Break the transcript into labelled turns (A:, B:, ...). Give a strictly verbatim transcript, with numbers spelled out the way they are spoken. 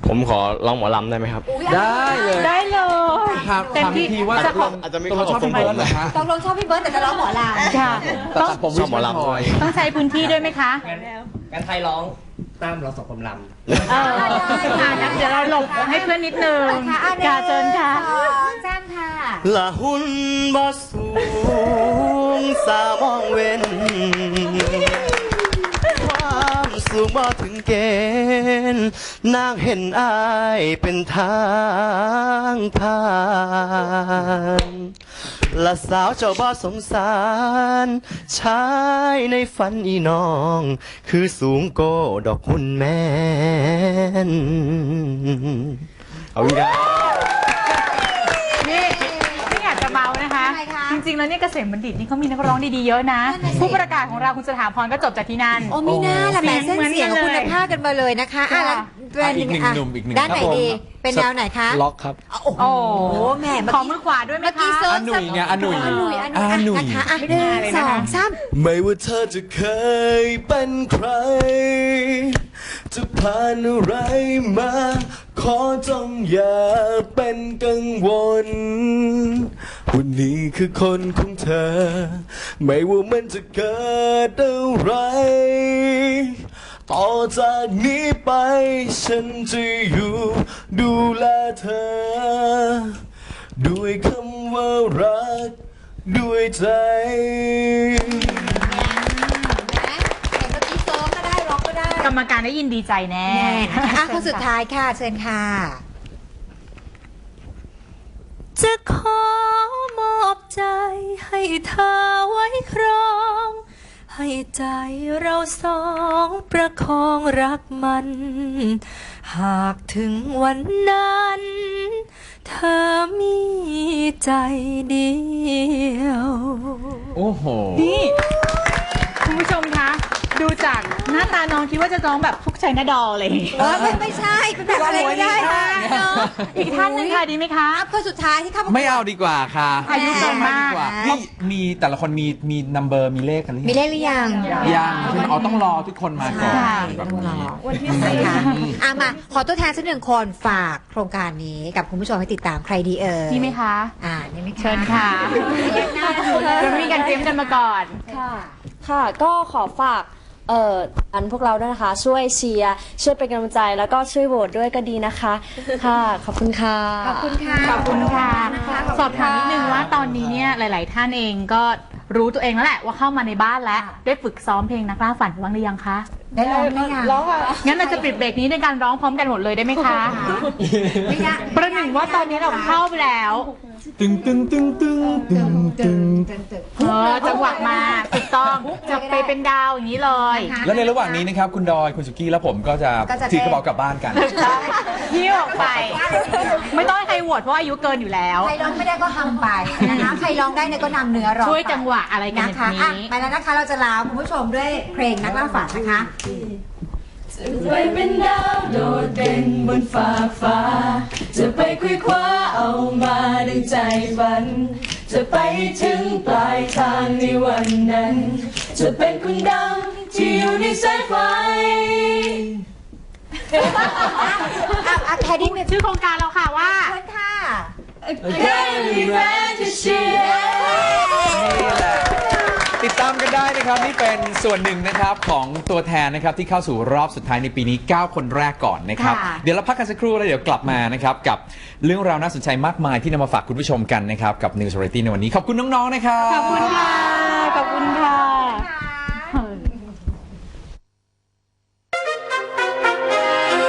A: ผมขอร้องหมอลำได้ไหมครับ
B: ได้เลย
C: ได้เลย
B: ถามถามอีกทีว่า
A: อาจจะอาจจะไม่เข้ากับผมผมนะฮะ
D: ตกลงชอบพี่เบิร์ดแต่จะร้องหมอลำ
C: ค่ะ
B: แต่ผมชอบหมอลำ
C: ต้องใช้พื้นที่ด้วยไหมคะ
E: งั้นใครร้องตามเราสองคนลำ
C: เอองั้นเดี๋ยวเราหลบให้เพื่อนนิดนึงค่ะเชิญค่ะ
D: แจ้งค่ะ
A: ละหุ่นบ่สูงสามองเว้นความสูงบ่ถึงเกณฑ์นางเห็นอายเป็นทางผ่านละสาวเจ้าบ่สงสารชายในฝันอีน้องคือสูงโกดอกหุ่นแม่นเอาอีกแล้ว
C: นี่ไม่อยากจะเมานะคะจริงๆแล้วเนี่ยเกษมบัณฑิตนี่เขามีนักร้องดีๆเยอะนะผู้ประกาศของเราคุณสถาพรก็จบจากที่นั่น
D: โอ้มีหน้าละแหมเส้นเสียงคุณภาพกันมาเลยนะคะอ่ะแล้วเป็นอีกหนึ่งหนุ่มอีกหนึ่งด้านไหนดีเป็นแนวไหนคะ
B: ล็อกครับ
D: โอ้โหแหม
C: ขอมือขวาด้วยไหมคะ
B: อาหนุ่ยไงอาหนุ่ยอาหนุ่ย
D: อาหนุ่ยนะคะหนึ่งสองสาม
A: ไม่ว่าเธอจะเคยเป็นใครจะผ่านอะไรมาขอจงอย่าเป็นกังวลวันนี้คือคนของเธอไม่ว่ามันจะเกิดอะไรต่อจากนี้ไปฉันจะอยู่ดูแลเธอด้วยคำว่ารักด้วยใจ
C: กรรมการได้ยินดีใจแน่
D: อ่ะคนสุดท้ายค่ะเชิญค่ะ
F: จะขอมอบใจให้เธอไว้ครองให้ใจเราสองประคองรักมันหากถึงวันนั้นเธอมีใจเดียว
B: โอ้โห
C: นี่คุณผู้ชมคะดูจากหน้าตาน้องคิดว่าจะร้องแบบฟุกชัยนาดอเลย
D: เออไม่ไม่ใช่เป็นแบบอะไรไม่ได้ค่ะเนาะ
C: อีกท่านนึงค่ะดีไหมคะ
D: คนสุดท้ายที่เข้า
B: ไม่เอาดีกว่าค่ะ
C: อายุเกินมาก
B: นี่มีแต่ละคนมีมีนัมเบอร์มีเลขกันหรือยัง
D: มีเลขหรือยัง
B: ยังใช่ไหมอ๋อต้องรอทุกคนมาก่อน
D: ต้องรอวันที่สี่ค่ะอ่ะมาขอตัวแทนสักหนึ่งคนฝากโครงการนี้กับคุณผู้ชมให้ติดตามใครดีเอ่ย
C: นี่ไหมคะ
D: อ่านี่ไหม
C: เชิญค่ะเรามีการเตรียมกันมาก่อน
G: ค่ะค่ะก็ขอฝากเอ่ออันพวกเราด้วยนะคะช่วยเชียร์ช่วยเป็นกำลังใจแล้วก็ช่วยโหวตด้วยก็ดีนะคะค่ะขอบคุณค่ะ
D: ขอบคุณค่ะ
C: ขอบคุณค่ะสอบถามนิดนึงว่าตอนนี้เนี่ยหลายๆท่านเองก็รู้ตัวเองแล้วแหละว่าเข้ามาในบ้านแล้วได้ฝึกซ้อมเพลงนักล่าฝันบ้างหรือยังคะ
D: ได้ร้องไหมคะ
C: ร้องอ่ะงั้นเราจะปิดเบรกนี้ในการร้องพร้อมกันหมดเลยได้ไหมคะไม่ได้ประหนึ่งว่าตอนนี้เราเข้าไปแล้ว
B: ตึงตึงตึงตึงตึงตึง
C: เออจังหวะมาถูกต้องจะไปเป็นดาวอย่างนี้เลย
B: แล้วในระหว่างนี้นะครับคุณดอยคุณสุกี้และผมก็จะถือกระเป๋ากลับบ้านกัน
C: หิ้วออกไปไม่ต้องให้ใครโหวตเพราะอายุเกินอยู่แล้ว
D: ใครร้องไม่ได้ก็ทำไปนะคะใครร้องได้เนี่ยก็นำเนื้อร้อง
C: ช่วยจังหวะอะไรกัน
D: นะคะไปแล้วนะคะเราจะลาคุณผู้ชมด้วยเพลงนักล่าฝันนะคะ
F: จะไปเป็นดาวโดดเด่นบนฟ้าฟ้าจะไปคุยคว้าเอามาดังใจฝันจะไปถึงปลายทางในวันนั้นจะเป็นคนดังที่อยู่ในสายไฟ
D: อ่ะแคดี้มี
C: ชื่อโครงการเราค่ะว่า
D: เชิญค่ะ
F: Academy Fantasy
B: ติดตามกันได้นะครับนี่เป็นส่วนหนึ่งนะครับของตัวแทนนะครับที่เข้าสู่รอบสุดท้ายในปีนี้เก้าคนแรกก่อนนะครับเดี๋ยวเราพักกันสักครู่แล้วเดี๋ยวกลับมานะครับกับเรื่องราวน่าสนใจมากมายที่นำมาฝากคุณผู้ชมกันนะครับกับ News Variety ในวันนี้ขอบคุณน้องๆนะครับ
C: ขอบคุณค่ะขอบคุณค่ะ